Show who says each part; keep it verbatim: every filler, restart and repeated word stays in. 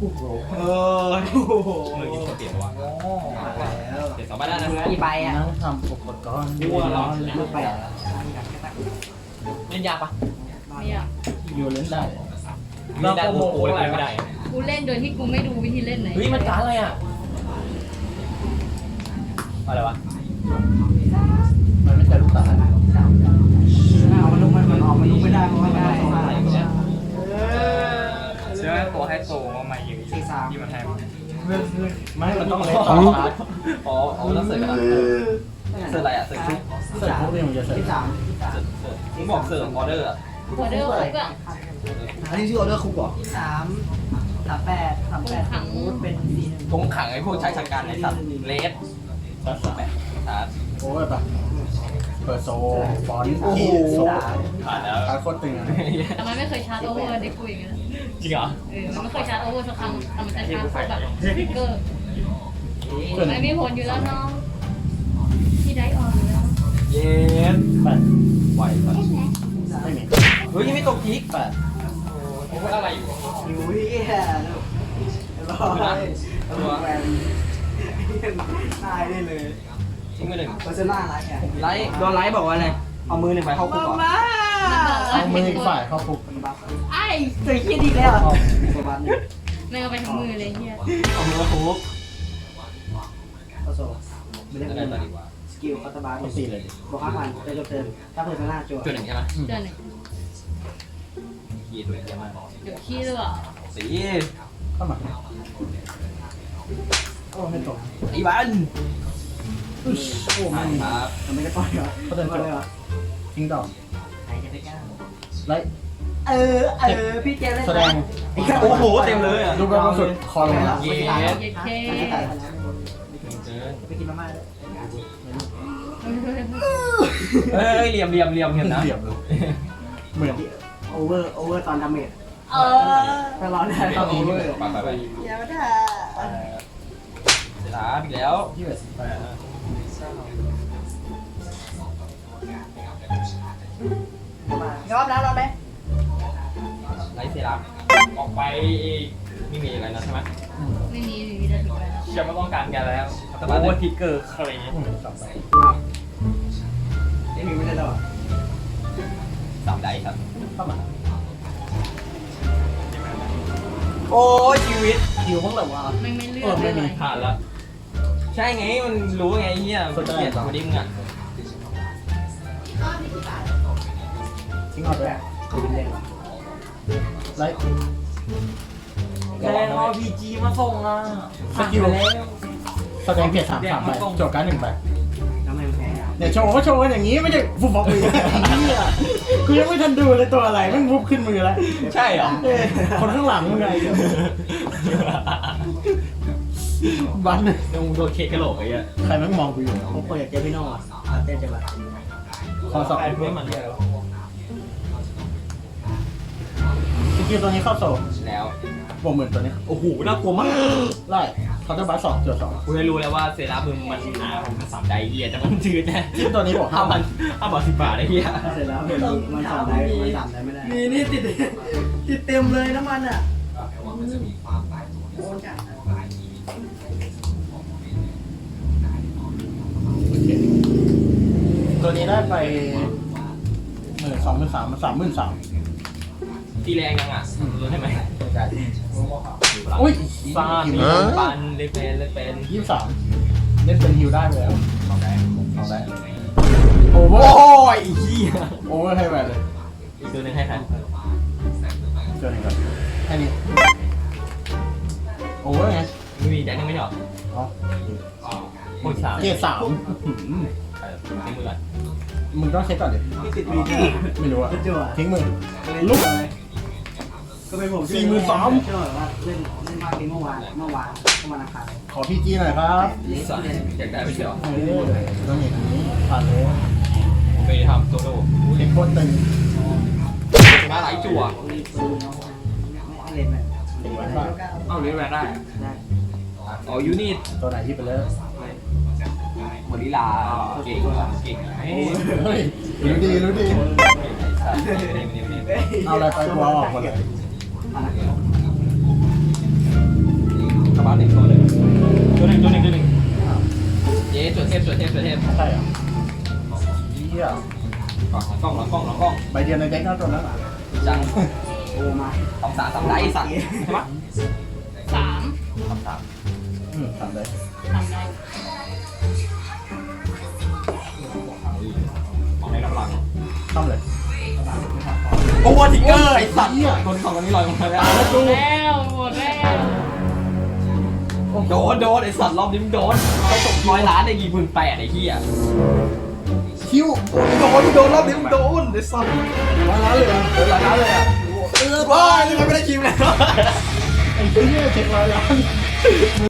Speaker 1: อ้โหเออโอ้โหมือยิงเปลี่ยนว่ะเปลี่ยนสองใบได้นะ
Speaker 2: กี่ใบอ่ะ
Speaker 3: นั่งทำอุปกรณ์
Speaker 1: วัวร้อน
Speaker 2: ลูกใบ
Speaker 1: เล่นยากปะ
Speaker 4: ไม่อยาก
Speaker 3: อยู่เล่นได้
Speaker 1: ไม่ได้โมโหเลยไม่ได้
Speaker 4: กูเล่นโดยที่กูไม่ดูวิธีเล่นไหน
Speaker 1: เฮ้ยมันการอะไรอ่ะอะไรวะ
Speaker 3: มันไม่ใช่ลูกตาล
Speaker 2: เอามันลุกมันมันออกมันลุกไม่ได้เพราะไม่ได้
Speaker 1: เชื่อตัวให้โตว่ามาอยู่ที่มันให้
Speaker 3: ไม่มันต้องเล่นต่อชาร์จ
Speaker 1: อ๋ออ๋อต้องเสิร์ฟกันเสิร์ฟอะไรอ่ะเสิร์ฟชุด
Speaker 3: เสร็จปุ๊บเนี่ยมันจะเสร็จ
Speaker 2: ที่สาม
Speaker 1: เสิร์ฟเสิร์ฟมึงบอกเสิร์ฟออเดอร์อ่ะ
Speaker 4: ออเดอร์คุกอะ
Speaker 2: อันนี้ชื่อออเดอร์คุกเหรอที่สามสามแปดสามแปดคูดเป็นสี่หนึ่ง
Speaker 1: ตรงขังไอ้พวกชายชะกันไอ้สัตว์เลส
Speaker 3: ชาร์จสาม
Speaker 1: แปะชาร์จ
Speaker 3: โอ้ยปะเปิดโซฟอนต์
Speaker 2: โอ้โห
Speaker 3: โซ
Speaker 1: ผ่านแล้ว
Speaker 3: ชาร์จโคตรตึงอ่ะ
Speaker 4: แต่มันไม่เคยชาร์จโอเวอร์เด็กกูอย่างเงี้ย
Speaker 1: จริงเหรอ
Speaker 4: เออมันไม่เคยชาร์จโอเวอร์สักครั้งแต่มันจะชาร์จแบบสติ๊กเกอร์ไม่มีผลอยู่แล้วน้องที่ได้ออนอยู่แล้ว
Speaker 1: เย็น
Speaker 3: แปด
Speaker 1: ไหวสัตว์
Speaker 3: ไม่มี
Speaker 1: เฮ้ยยังไม่ตกทิก
Speaker 3: แปด
Speaker 1: โอ้โหอะไรอยู่
Speaker 2: อยู่ที่แค่ร้อยตัวแวนได้ได้เลย
Speaker 1: ทิ้งไปหนึ่ง
Speaker 2: เพอร์เซน่าไรอ่ะ
Speaker 1: ไลท์โดนไลท์บอกว่าอะไรเอามือหนึ่งไปเข้าคุกก่อน
Speaker 3: เอามืออีกฝ่ายเข้าคุก
Speaker 2: ไอ้ตัวขี้ดีแล้วตัวบ้านนี่
Speaker 4: ไม่เอาไปทั้งมือเลยเฮีย
Speaker 1: เอามือเข้าคุก
Speaker 2: ก็โซ่ไม่ได้
Speaker 1: จะ
Speaker 2: เป็
Speaker 1: ได้
Speaker 2: น
Speaker 1: ต่อดีกว่า
Speaker 2: สกิลคาตาบาร์
Speaker 3: ต้องตีเลยดิ
Speaker 2: บอกห้าพันจะจบเทิร์นถ้าเพอร์เซน่าจั่ว
Speaker 1: จุดหนึ่งใช่ไหม
Speaker 4: เดือนหนึ่ง
Speaker 1: ขี้ตัวเยอะมาก
Speaker 4: เดี๋ยวขี้หรือเปล่า
Speaker 1: สี
Speaker 3: เข้ามาโอ้ไม่ตก
Speaker 1: อีวัน
Speaker 3: อึ๊ชโอ้ไม่มี
Speaker 1: ครับ
Speaker 2: ทำไมได้ปล่อยเหรอ
Speaker 3: เขาเดิน
Speaker 2: ปล่อยเลยเหรอ
Speaker 3: ทิ้งดอก
Speaker 2: ใครจะไปกล้า
Speaker 3: ไล่
Speaker 2: เออเออพี่เจมส์
Speaker 3: แสดง
Speaker 1: โอ้โหเต็มเลยอ่ะ
Speaker 3: ดูแบบสุดคอลงมา
Speaker 1: เย้
Speaker 4: เย็ดเค
Speaker 2: ไปกินมาม่าเลย
Speaker 1: เฮ้ยเหลี่ยมเหลี่ยมเหลี่ยมเห็นนะ
Speaker 3: เหลี่ยมเลยเหมือน
Speaker 2: โอเวอร์โอเวอร์ตอนดาเมจ
Speaker 4: เออ
Speaker 2: ถ้าร้อนได้ต้องโอเวอร์
Speaker 1: ไปไปไป
Speaker 2: เดี๋ยวได้
Speaker 1: เสร็จแล้วอีกแล้ว
Speaker 3: ยี่สิบแปด
Speaker 2: ยอมแล้วรอไหม
Speaker 1: ไลท์เซรั่มออกไปไม่มีอะไรนะใช่ไหม
Speaker 4: ไม่มีไม่มีได้ถูกแล้ว
Speaker 1: เชื่อไม่ต้องการแกแล้วแต่ว่าโอเวอร์ทิกเกอร์เคลย์
Speaker 3: อืมสองใบ
Speaker 2: ไม่มีไม่ได้หรอ
Speaker 1: สามไดครับ
Speaker 3: เข้ามา
Speaker 1: โอ้ชีวิต
Speaker 3: คิวบ้างเหรอวะ
Speaker 4: ไม่ไม่เลือ
Speaker 3: เออก ไม่มี
Speaker 1: ผ่านแล้วใช่ไงมันรู้ไงเฮียมันเกลียดสองคนนี้มึงอ่ะ
Speaker 3: ทิ้งออกไป
Speaker 2: เป็นเล่น
Speaker 3: ไล่
Speaker 1: แรงเอาพีจีมาส่งอ่ะ
Speaker 3: สกิลแสดงเพียรสามสามใบจบการหนึ่งใบ
Speaker 2: ทำไมแพ้
Speaker 3: เนี่ยโชว์ก็โชว์กันอย่างนี้ไม่ใช่ฟุบฟุบมือเนี่ยกูยังไม่ทันดูเลยตัวอะไรแม่งฟุบขึ้นมือแล้ว
Speaker 1: ใช่เหรอ
Speaker 3: เอ้ยคนข้างหลังมึงไงบัน
Speaker 1: ยังโดนเคกกระโหลกไอ้เหี้ย
Speaker 3: ใครแม่งมองกูอยู่
Speaker 2: ผมเปิดเจพี่โน่อะเต้นจังหวะ
Speaker 3: คอสอบ
Speaker 1: ไอ้เพื่อนมันเนี่ย
Speaker 3: สกิลตัวนี้เข้าโซ่
Speaker 1: แล้ว
Speaker 3: บวกหมื่นตัวนี้
Speaker 1: โอ้โหน่ากลัวมาก
Speaker 3: ไล่คาร์เตอร์บัสสองเจอสอง
Speaker 1: กูได้รู้แล้วว่าเซรั่มมึงมันหนาผมมันสามไดเฮียแต่มันจืดแน่
Speaker 3: ที่ตัวนี้บอก
Speaker 1: ห้า
Speaker 3: ห้า
Speaker 1: พั
Speaker 3: พั
Speaker 1: น
Speaker 3: น
Speaker 1: ห้าบาทสิบบาทไอ้เหี้ย
Speaker 2: เสร็จแล้วเป็นมันสามได้มันสามได้ไม่ได้มีนี่ติดติดเต็มเลยน้ำมันอ่ะโอ้จัด
Speaker 3: ตัวนี้ได้ไปหมื่นสองหมื่นสามสามหมื่นสาม
Speaker 1: ตีแรงยังอ่ะรู้ใช่ไหม
Speaker 3: อุ้ย
Speaker 1: ฟาดมีปันเลเป็นเลเป็น
Speaker 3: ยี่สิบสามเล่นเป็นฮิวได้ไปแล้ว
Speaker 1: สองได้
Speaker 3: เอาได้โอเวอ
Speaker 1: โอ้
Speaker 3: ร์
Speaker 1: ยไอ้เหี้ย
Speaker 3: โอเวอร์ให้แหวนเลย
Speaker 1: อีกตัวหนึงให้ใคร
Speaker 3: เจอหนึ่งก่อนแค่นี้โอเวอร์ไง
Speaker 1: ไม่มีแจ็คยังไม่หยอด
Speaker 3: อ๋อ
Speaker 1: หมดสาม
Speaker 3: เกียร์สาม
Speaker 1: ใช่ทิ้งมือก่อน
Speaker 3: มึงต้องเช็คก่อนดิ
Speaker 2: ที่ติดวีดี
Speaker 3: ไม่รู้อะ
Speaker 2: จั่ว
Speaker 3: ทิ้งมือ
Speaker 2: ลุกก็เป็นผม
Speaker 3: สี่หมื่นสาม
Speaker 2: เชื่อว่าเล่นเล่นมากที่เมื่อวานเมื่อวานเมื่อวานอังคาร
Speaker 3: ขอพีจีหน่อยครับ
Speaker 1: นี่สอนอยากได้ไปเชียว
Speaker 3: เออต้องอย่างนี้ผ่านเลย
Speaker 1: ไปทำโซโล่
Speaker 3: เช็คโคตรตึง
Speaker 1: มาหลายจั่ว
Speaker 2: มีปืนไม่เล่นแบบ
Speaker 1: เอ้าเลี้ยงแวนได้
Speaker 2: ได้
Speaker 1: อ๋อยูนิต
Speaker 3: ตัวไหนที่ไปเลย
Speaker 1: หมดลีลาเก่งเก่งเฮ้ย
Speaker 3: เฮ้ยรู้ดีรู้ดี เอาอะไรไปวอลออกหมดเลยเดียวในเด็กน่าตัวนั้นอ่ะ
Speaker 1: จัง
Speaker 2: โอ้มา
Speaker 1: สองสามสามได้สัตว์ใช่ปะ
Speaker 4: สาม
Speaker 1: สามสาม
Speaker 3: อืมสั่นเลย
Speaker 4: สามได้
Speaker 1: มองในกำลัง
Speaker 3: ทำเลย
Speaker 1: โอ้โหทิกเกอร์ไอ้สัตว์คนของคนนี้ลอยลงมาแล้ว
Speaker 4: หมดแล้วหมดแล้ว
Speaker 1: โดนโดนไอ้สัตว์รอบนี้มึงโดนไปตกร้อยล้านได้กี่หมื่นแปดไอ้เหี้ย
Speaker 3: คิว
Speaker 1: โดนโดนรอบนี้มึงโดนไอ้สัตว์
Speaker 3: ร้อยล้านเลยอ่ะ
Speaker 1: โดนร้อยล้านเลยอ่ะเออว้ายนี่มันไม่ได้คิวแล้ว
Speaker 3: ไอ้เหี้ยเช็คร้อยล้าน